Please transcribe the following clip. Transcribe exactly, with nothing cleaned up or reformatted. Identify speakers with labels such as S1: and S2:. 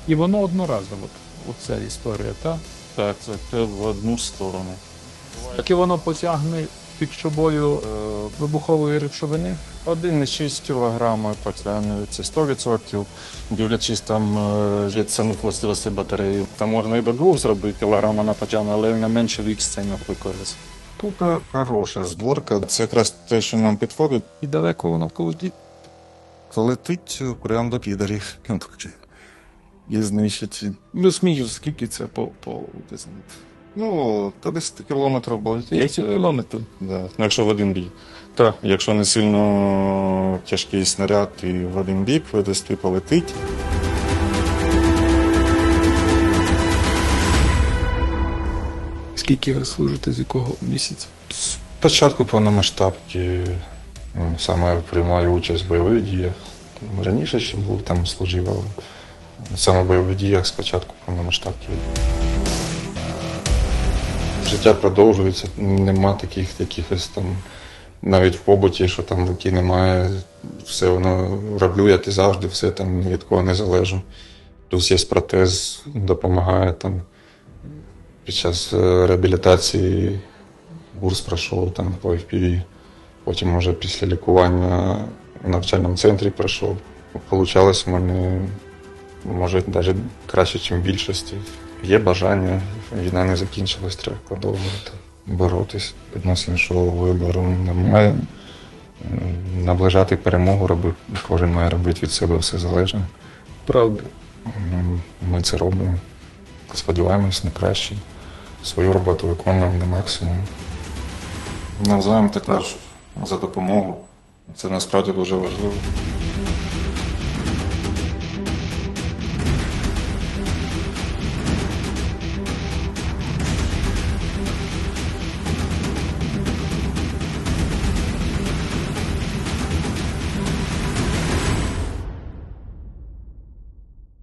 S1: І воно одноразово, оця історія, так?
S2: Так, це в одну сторону.
S1: Так і воно потягне під собою е, вибухової речовини?
S2: один цілих шість кілограма потягне, це сто відсотків, дивлячись там е, від самих властивостей батареї. Там можна і до двох зробити кілограма на потягне, але на менше відстань, наприклад. Тут хороша зборка, це якраз те, що нам підходить.
S1: І далеко воно полетить?
S2: Летить прямо до підарів. І знищить. Ну, смію, скільки це по, по ну, та десь кілометрів буде.
S1: десять кілометрів?
S2: Да. Ну, якщо в один бік. Так, якщо не сильно тяжкий снаряд і в один бік видасти полетить.
S1: Скільки ви служите, з якого місяця?
S2: З початку повномасштабки ну, саме приймаю участь в бойових діях. Раніше ще був там служив, але саме в бойових діях з початку повномасштабки. Життя продовжується, нема таких якихось там, навіть в побуті, що там руки немає, все воно роблю, як і завжди, все там від кого не залежу. Плюс є протез, допомагає там під час реабілітації, курс пройшов там по еф пі ві, потім вже після лікування в навчальному центрі пройшов. Получалось в мене, може, навіть краще, ніж в більшості. Є бажання, війна не закінчилась, треба продовжувати боротись. Відносно іншого вибору немає. Наближати перемогу робити, кожен має робити від себе все залежне.
S1: Правда.
S2: Ми це робимо. Сподіваємось на краще. Свою роботу виконуємо на максимум. Навзаєм також за допомогу. Це насправді дуже важливо.